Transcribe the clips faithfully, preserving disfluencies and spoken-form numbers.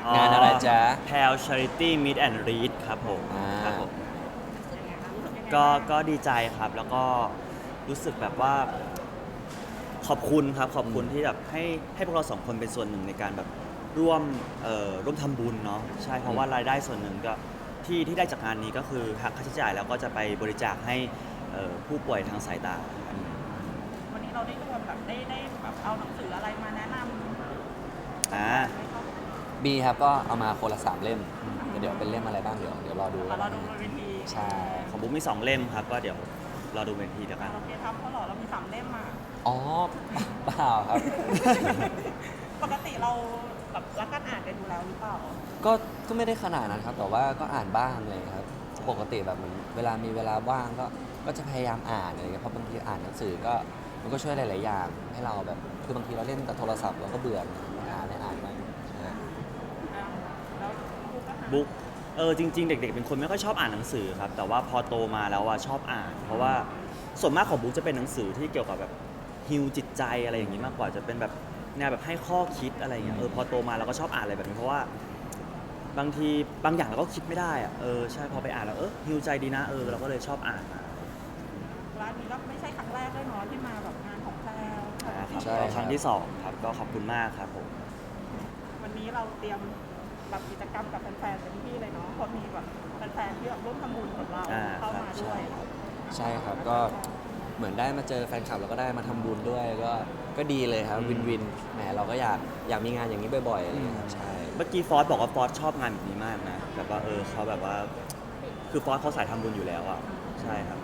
งานอะไรจ๊ะแพล Charity Meet and Read ครับผมอ่าครับผมก็ก็ดีใจครับแล้วก็รู้สึกแบบว่าขอบคุณครับขอบคุณที่แบบให้ให้พวกเราสองคนเป็นส่วนหนึ่งในการแบบร่วมเอ่อร่วมทำบุญเนาะใช่เพราะว่ารายได้ส่วนหนึ่งก็ที่ที่ได้จากงานนี้ก็คือหักค่าใช้จ่ายแล้วก็จะไปบริจาคให้เอ่อผู้ป่วยทางสายตาวันนี้เราได้รวมแบบได้ได้แบบเอาหนังสืออะไรมาแนะนำอ่าไหมคะบีครับก็เอามาคนละสามเล่มเดี๋ยวเป็นเล่มอะไรบ้างเดี๋ยวเดี๋ยวรอดูเอาเราดูบนเวทีใช่ของบุ๊กมีสองเล่มครับก็เดี๋ยวรอดูเวทีแล้วกันเราเพียรทำเขาเหรอเรามีสามเล่มมาอ๋อเปล่าครับปกติเราแบบรักการอ่านกันอยู่แล้วหรือเปล่าก็ก็ไม่ได้ขนาดนั้นครับแต่ว่าก็อ่านบ้างเลยครับปกติแบบเหมือนเวลามีเวลาว่างก็ก็จะพยายามอ่านอะไรเงี้ยเพราะบางทีอ่านหนังสือก็มันก็ช่วยหลายๆอย่างให้เราแบบคือบางทีเราเล่นแต่โทรศัพท์เราก็เบื่ออ่านได้อ่านบ้างใช่อ่าแล้วบุ๊กก็หาบุ๊กเออจริงๆ เด็กๆ เป็นคนไม่ค่อยชอบอ่านหนังสือครับแต่ว่าพอโตมาแล้วอะชอบอ่าน เพราะว่าส่วนมากของบุ๊กจะเป็นหนังสือที่เกี่ยวกับแบบฮิวจิตใจอะไรอย่างนี้มากกว่าจะเป็นแบบแนวแบบให้ข้อคิดอะไรอย่างเงี้ยเออพอโตมาเราก็ชอบอ่านอะไรแบบนี้เพราะว่าบางทีบางอย่างเราก็คิดไม่ได้อะเออใช่พอไปอ่านแล้วเออฮิวใจดีนะเออเราก็เลยชอบอ่านมาร้านนี้ก็ไม่ใช่ครั้งแรกด้วยเนาะที่มาแบบงานของแพรวอ่าครับใช่ก็ครับครั้งที่สองครับก็ขอบคุณมากครับผมวันนี้เราเตรียมแบบกิจกรรมกับแฟนๆเต็มที่เลยเนาะเพราะมีแบบแฟนๆที่แบบร่วมทำบุญกับเราอ่าเข้ามาด้วยใช่ครับก็เหมือนได้มาเจอแฟนคลับแล้วก็ได้มาทำบุญด้วยก็ก็ดีเลยครับวินวินแหมเราก็อยากอยากมีงานอย่างนี้บ่อยๆอะไรอย่างเงี้ยครับใช่เมื่อกี้ฟอสบอกว่าฟอสชอบงานแบบนี้มากนะแบบว่าเออเขาแบบว่าคือฟอสเขาสายทำบุญอยู่แล้วอ่ะใช่ครับ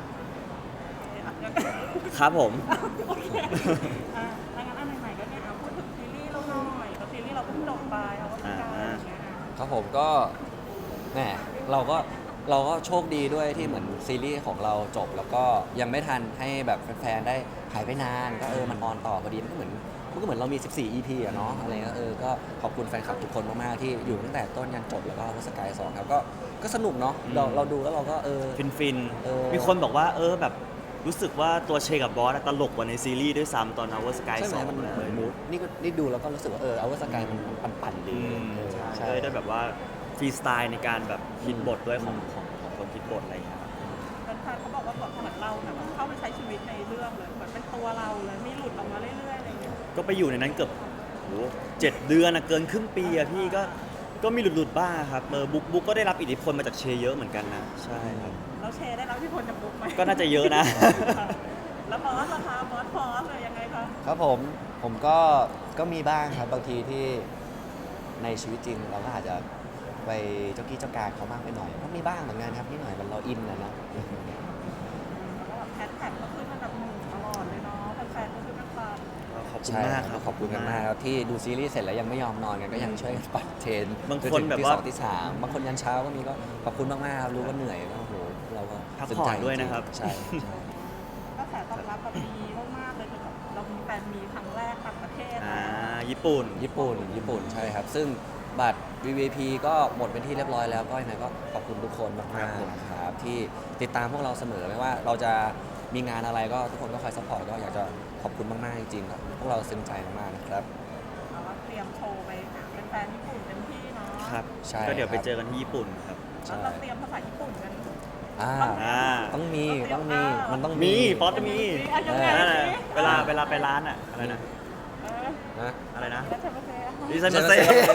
ครับผมโอเคอ่ะถ้างั้นอันใหม่ๆก็เนี่ยเอาพูดถึงซีรีส์เราหน่อยก็ซีรีส์เราเพิ่งจบไปเอาว่าเป็นการอะไรอย่างเงี้ยครับผมก็แหมเราก็เราก็โชคดีด้วยที่เหมือนซีรีส์ของเราจบ แล้วก็ยังไม่ทันให้แบบแฟนๆได้หายไปนานก็เออมันออนต่อพอดีมันก็เหมือนมันก็เหมือนเรามี สิบสี่ อี พี อะเนาะอะไรเงี้ยเออก็ขอบคุณแฟนคลับทุกคนมากๆที่อยู่ตั้งแต่ต้นยันจบแล้วก็วสกายสองครับก็ก็สนุกเนาะเราเราดูแล้วเราก็เออฟินฟินเออมีคนบอกว่าเออแบบรู้สึกว่าตัวเชกับบอสอะตลกกว่าในซีรีส์ด้วยซ้ำตอน Our Sky ใช่ไหสมองมันเลเหมือนยมูดนี่ก็นี่ดูแล้วก็รู้สึกว่าเออเอาวสกายมันปั่นๆอืดีมเออใช่ก็เลยได้แบบว่าฟรีสไตล์ในการแบบคิดบทด้วยของของของคนคิดบทอะไรอย่างเงี้ยครับแฟนๆเขาบอกว่าแบบเหมือนเราแบบเข้าไปใช้ชีวิตในเรื่องเลยเหมือนเป็นตัวเราเลยไม่หลุดออกมาเรื่อยๆอะไรอย่างเงี้ยก็ไปอยู่ในนั้นเกือบโหเจ็ดเดือนอะเกินครึ่งปีอะพี่ก็ก็มีหลุดๆบ้างครับเออบุ๊กบุ๊กก็ได้รับอิทธิพลมาจากเชเยอะเหมือนกันนะใช่ครับเราแชร์ได้แล้วที่คนจะบุ๊กไหมก็น่าจะเยอะนะแล้วบอสราคาบอสฟอสเลยยังไงคะครับผมผมก็ก็มีบ้างครับบางทีที่ในชีวิตจริงเราก็อาจจะไปเจ้ากี้เจ้าการเขามากไปหน่อยก็มีบ้างเหมือนกันครับนิดหน่อยมันเราอินนะเนาะแล้วก็แบบแฮชแท็กก็ขึ้นอันดับหนึ่งตลอดเลยเนาะแฟนๆก็คือแม่ฟันขอบคุณใช่มากคครัรับบขอบคุณกันมากครับที่ดูซีรีส์เสร็จแล้วยังไม่ยอมนอนกันก็ยังช่วยกันปัดเทรนบางจคนถึแบบที่ว่าสองที่สามบางคนยันเช้าก็มีก็ขอบคุณมากๆครับรู้ว่าเหนื่อยก็โอ้โหเราก็พักซึ้งผ่อใจนด้วยนะครับใช่ใช่ก็แสตอบรับแบบดีมากๆเลยคือแบบเรามีแฟนมีครั้งแรกต่างประเทศอ่าญี่ปุ่นญี่ปุ่นญี่ปุ่นใช่ครับ ซึ่งบัตร วี วี ไอ พี ก็หมดเป็นที่เรียบร้อยแล้วก็ยังไงก็ขอบคุณทุกคนมากครับผมๆนะครับที่ติดตามพวกเราเสมอไม่ว่าเราจะมีงานอะไรก็ทุกคนก็คอยซัพพอร์ตก็อยากจะขอบคุณมากๆจริงๆครับพวกเราซึ้งใจมากๆนะครับเราก็เตรียมโชว์ไปหาแฟนๆญี่ปุ่นเต็มที่เนาะครับใช่ก็เดี๋ยวไปครับเจอกันที่ญี่ปุ่นครับแล้วเราเตรียมภาษาญี่ปุ่นกันอ่าอ่าต้องมีต้องมีมันต้องมีฟอสจะมีอ่ะยังไงนั่นแหละสิเวลาเวลาไปร้านอะอะไรนะเออนะอะไรนะแล้วเธอมาเซ่ดิซันมาเซ่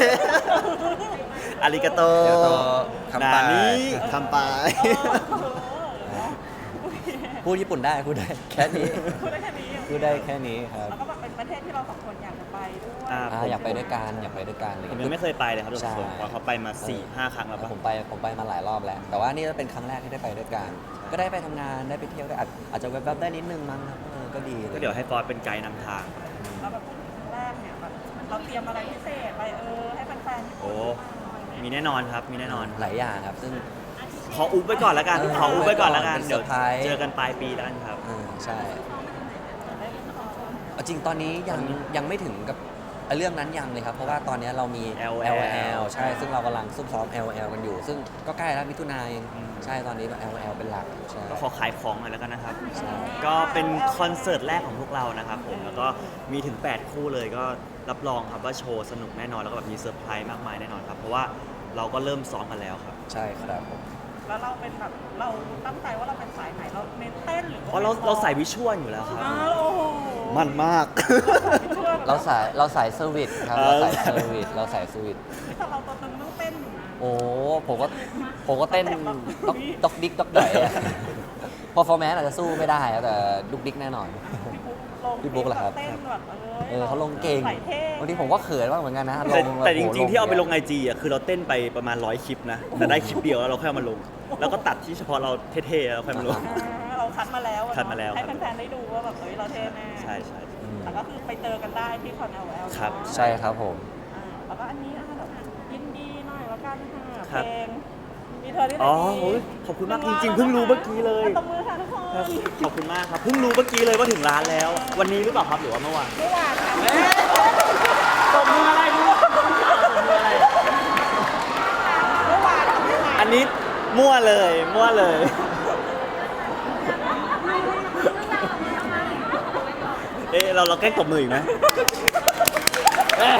อาริกาโตเดี๋ยวต่อคำปานานี้คำปายพูดญี่ปุ่นได้พูดได้แค่นี้พูดได้แค่นี้พูดได้แค่นี้ครับแล้วก็แบบเป็นประเทศที่เราสองคนอยากจะไปด้วยอ่าอ่าอยากไปด้วยกันอยากไปด้วยกันอะไรผมเงี้ยังยไม่เคยไปเลยครับทุกใช่คนเพราะเขาไปมาสี่ห้าครั้งแล้วปะผมไปผมไปมาหลายรอบแล้ว แต่ว่านี่เป็นครั้งแรกที่ได้ไปด้วยกัน ก็ได้ไปทำงานได้ไปเที่ยวได้อาจอาจจะแวบๆได้นิดนึงมั้งครับเออก็ดีเลก็ยเดี๋ยวให้ฟอสเป็นไกด์นำทางแล้วแบบพูดถึงครั้งแรกเนี่ยแบบเราเตรียมอะไรพิเศษไปเออให้แฟนๆญี่ปุ่นโอ้ มีแน่นอนครับ มีแน่นอนหลายอย่างครับซึ่งขออุบไว้ก่อนแล้วกันเออขออุบไว้ก่อนแล้วกันเป็นเซเดี๋อยวร์ไพรส์เจอกันปลายปีแล้วกันครับเออใช่เอาจริงตอนนี้ยังยังไม่ถึงกับไอ้เรื่องนั้นยังเลยครับ เพราะว่าตอนนี้เรามีแอลแอแอลลแอล ใช่ ซึ่งเรากำลังซุ่มซ้อม แอล แอล กันอยู่ ซึ่งก็ใกล้แล้วมิถุนายนอืมใช่ตอนนี้ แอล แอล เป็นหลักใช่ก็ขอขายของหน่อยแล้วกันนะครับใช่ก็เป็นคอนเสิร์ตแรกของพวกเรานะครับผมแล้วก็มีถึง แปด คู่เลยก็รับรองครับว่าโชว์สนุกแน่นอนแล้วก็แบบมีเซอร์ไพรส์มากมายแน่นอนครับ เพราะว่าเราก็เริ่มซ้อมกันแล้วครับใช่ครับผมแล้วเราเป็นแบบเราตั้งใจว่าเราเป็นสายไหนเราเน้นเต้นหรือเพราะเราเราใส่วิชวลอยู่แล้วครับอ้าวโอ้โหมันมากเราสายเราสายเซอร์วิสครับเอเราอสายเซอร์วิสเราสายเซอร์วิสถ้าเราตัวตึงต้องเต้นอยู่นะโอ้ผมก็ผมก็เต้นด็อกด็อกดิกด็อกไดอะพอฟอร์แมนอาจจะสู้ไม่ได้อะแต่ดุกดิกแน่นอนพี่บุ๊กลงพี่บุ๊กเหรอครับเต้นแบบเออเขาลงเก่งใส่เท่บางทีผมก็เขินบ้างเหมือนกันนะลแต่งแต่จโอ้โหริงๆที่เอาไปลงย่ไอจีอ่ะคือเราเต้นไปประมาณร้อยคลิปนะ แต่ได้คลิปเดียวแล้วเราค่อยเอามาลง แล้วก็ตัดที่เฉพาะเราเท่ๆแล้วค่อยมาลงอ่าเราคัดมาแล้วอะเนอะคัดมาแล้วให้แฟนๆได้ดูว่าแบบเฮ้ยเราเท่แน่ใช่ใช่อืมแต่ก็คือไปเจอกันได้ที่คอนแอลแอลครับใช่ครับผมแล้วก็อันนี้อ่ะแบบยินดีหน่อยแล้วกันค่ะครับเพลงมีเธอที่ไหนอ๋อดีโอ้ยขอบคุณมากจริงๆเพิ่งรู้เมื่อกี้เลยตบมือค่ะทุกคนครับขอบคุณมากครับ เพิ่งรู้เมื่อกี้เลยว่าถึงร้านแล้ว วันนี้หรือเปล่าครับหรือว่าเมื่อวานเมื่อวานค่ะตบมืออะไรมั่วตบมืออะไรเมื่อวานค่ะเมื่อวานอันนี้มั่วเลยมั่วเลย เอ๊ะเราเราแกล้งตบมืออีกไหมเอ๊ะ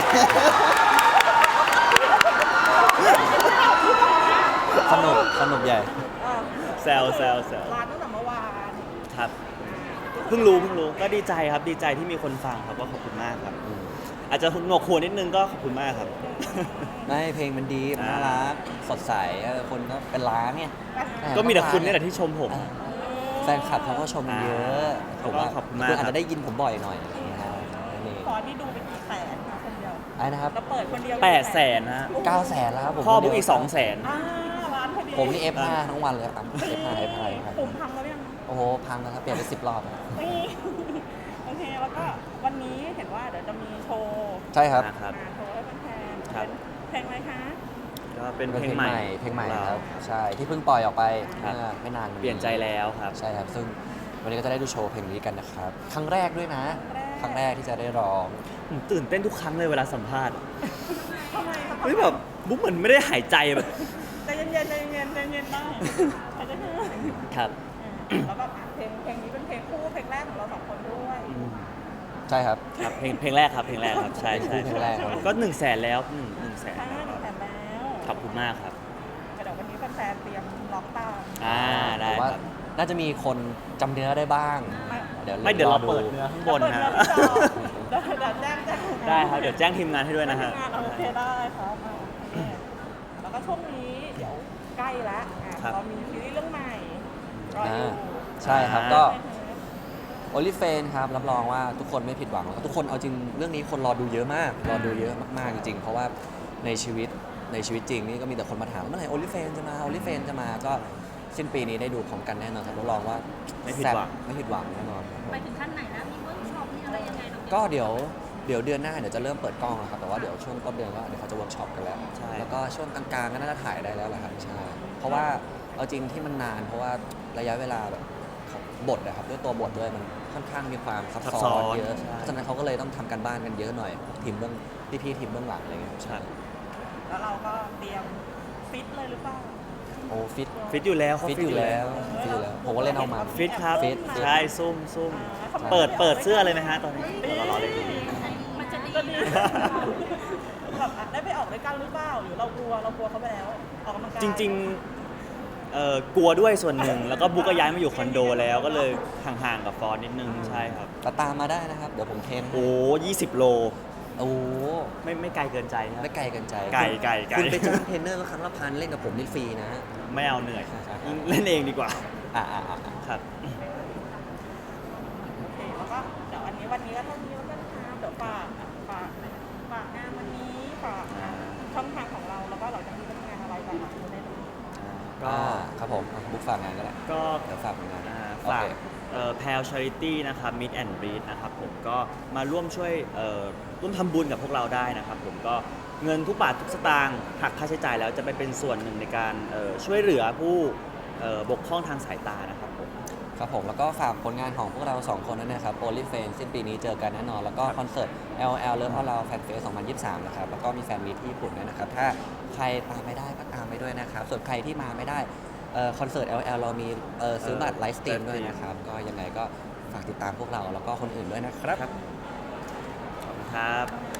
สนุกสนุกใหญ่อ่ะแซวแซวแซวร้านตั้งแต่เมื่อวานครับ เพิ่งรู้เพิ่งรู้ก็ดีใจครับดีใจที่มีคนฟังครับก็ขอบคุณมากครับอืมอาจจะหนวกหัวนิดนึงก็ขอบคุณมากครับไม่เพลงมันดีมันน่ารักสดใสเออคนก็เป็นล้านเนี่ยก็มีแต่คุณนี่แหละที่ชมผมเออแฟนคลับเขาก็ชมเยอะอ่าผมว่าขอบคุณมากคุณอาจครับจะได้ยินผมบ่อยหน่อยอะไรอย่างเงี้ยครับนี่ขอที่ดูเป็นกี่แสนค่ะคนเดียวไอ้นะครับเราเปิดคนเดียวแปดแสนนะเก้าแสนแล้วครับผมพ่อบุ๊กอีกสองแสนอ่าร้านพอดีผมนี่ เอฟ ห้า ทั้งวันเลยครับ เอฟ ห้า เอฟ ห้า เอฟ ห้าปุ่มพังแล้วยังโอ้โห พังแล้วครับ เปลี่ยนไปสิบรอบแล้วนี่โอเคแล้วก็วันนี้เห็นว่าเดี๋ยวจะมีโชว์ใช่ครับนะครับมาโชว์ให้แฟนๆครับเป็นเพลงอะไรคะก็เป็นเป็นเพเพลลงงใหใหม่ม่ เพลงใหม่ของคเรารับ ใช่ ที่เพิ่งปล่อยออกไปครับเมื่อไม่นานเปลี่ยนใจแล้วครับใช่ครับ ซึ่งวันนี้ก็จะได้ดูโชว์เพลงนี้กันนะครับ ครั้งแรกด้วยนะ ครั้งแรกที่จะได้ร้องผมตื่นเต้นทุกครั้งเลยเวลาสัมภาษณ์ทำไมครับเฮ้ยแบบบุ๊กเหมือนไม่ได้หายใจแบบใจเย็นๆใจเย็นๆใจเย็นๆได้ใครจะเชื่อครับอ่าแล้วแบบอ่ะเพลงเพลงนี้เป็นเพลงคู่เพลงแรกของเราสองคนด้วยใช่ครับครับเพลงเพลงแรกครับเพลงแรกครับใช่ใช่เพลงแรกครับก็หนึ่งแสนแล้วหนึ่งหนึ่งแสนใช่แล้วครับแต่แล้วขอบคุณมากครับเดี๋ยววันนี้แฟนๆเตรียมล็อกตามอ่าได้ผมว่าครับน่าจะมีคนจำเนื้อได้บ้าง เดี๋ยวไม่เดี๋ยวเราอเปิดเนื้อข้างบนนะเดี๋ยวเปิดเนื้อที่จอเดี๋ยวแจ้งแจ้งได้ครับเดี๋ยวแจ้งทีมงานให้ด้วยนะฮะทีมงานโอเคได้ครับอ่ะโอเคแล้วก็ช่วงนี้เดี๋ยวใกล้แล้วอ่ะครับเรามีซีรีส์เรื่องใหม่รออยู่อ่าใช่ครับอ่าก็ โอลิเฟนครับรับรองว่าทุกคนไม่ผิดหวังแล้วก็ทุกคนเอาจริงเรื่องนี้คนรอดูเยอะมาก รอดูเยอะมากๆจริงๆ เพราะว่าในชีวิตในชีวิตจริงนี่ก็มีแต่คนมาถามเมื่อไหร่โอลิเฟนจะมาโอลิเฟนจะมาก็สิ้นปีนี้ได้ดูพร้อมกันแน่นอนครับรับรองว่าไม่ผิดหวังแซ่บไม่ผิดหวังแน่นอนครับผมไปถึงขั้นไหนแล้ว มีเวิร์กช็อป มีอะไรยังไงน้องก็เดี๋ยวเดี๋ยวเดือนหน้าเดี๋ยวจะเริ่มเปิดกล้องแล้วครับแต่ว่าเดี๋ยวช่วงต้นเดือนก็เดี๋ยวเขาจะเวิร์กช็อปกันแล้วใช่แล้วก็ช่วงกลางๆก็น่าจะถ่ายได้แล้วแหละครับใช่เพราะว่าเอาจริงที่มันนาน เพราะว่าระยะเวลาแบบของบทนะครับด้วยตัวบทด้วยมันค่อนข้างมีความซับซับซ้ซ้ออน นเยอะใช่เพราะฉะนั้นเขาก็เลยต้องทำกันบ้านกันเยอะหน่อยทีมเบื้องพี่ๆทีมเบื้องหลังอะไรเงี้ยใช่แล้วเราก็เตรียมฟิตเลยหรือเปล่าโอ้ฟิตฟิตอยู่แล้วเขาฟิตอยู่แล้วฟิตอยู่แล้วผมก็เล่นเอามันฟิตครับฟิตฟิตใช่ซุ่มซุ่มอ่าเปิดเปิดเสื้อเลยไหมฮะตอนนี้เรารอเลยมันจะดีก็ดีแบบอ่ะได้ไปออกด้วยกันหรือเปล่าหรือเรากลัวเรากลัวเขาไปแล้วออกกำลังกายจริงๆเอ่อกลัวด้วยส่วนหนึ่ง แล้วก็บุ๊กก็ย้ายมาอยู่คอนโดแล้วก็เลยห่างๆกับฟอนนิดนึงใช่ครับแต่ตามมาได้นะครับเดี๋ยวผมเทรนให้โอ้ยี่สิบโลโอ้ไม่ไม่ไกลเกินใจครับไม่ไกลเกันใจไกลไกลไกลคุณไปจ้างเทรนเนอร์ก็ครั้งละพันเล่นกับผมนี่ฟรีนะไม่เอาเหนื่อยใช่ใช่เล่นเองดีกว่าอ่าอ่าอ่าครับโอเคแล้วก็เดี๋ยววันนี้วันนี้ก็เท่านี้แล้วกันครับเดี๋ยวฝากอ่ะฝากฝากงานวันนี้ฝากอ่ะช่องทางของเราแล้วก็เราจะมีทำงานอะไรกันอ่ะคุณได้ดูก็อ่าครับผมอ่ะบุ๊กฝากงานก็ได้ก็เดี๋ยวฝากงานอ่าโอฝากเคแพลชาริตี้นะครับ Meet and Breed นะครับผมก็มาร่วมช่วยเอ่อร่วมทำบุญกับพวกเราได้นะครับผมก็เงินทุกบาททุกสตางค์หักค่าใช้จ่ายแล้วจะไปเป็นส่วนหนึ่งในการเอ่อช่วยเหลือผู้เอ่อบกพร่องทางสายตานะครับผมครับผมแล้วก็ฝากผลงานของพวกเราสองคนนั้นนะครับโอลิเฟนสิ้นปีนี้เจอกันแน่นอน แล้วก็คอนเสิร์ต แอล แอล Love All Around Fan Fest สองพันยี่สิบสามนะครับแล้วก็มีแฟนมีตที่ญี่ปุ่นด้วยนะครับถ้าใครตามไม่ได้ก็ตามไปด้วยนะครับส่วนใครที่มาไม่ได้เอ่อคอนเสิร์ต แอล แอล เรามีเอ่อซื้อบัตรไลฟ์สตรีมด้วยนะครับก็ยังไงก็ฝากติดตามพวกเราแล้วก็คนอื่นด้วยนะครับครับขอบคุณครับ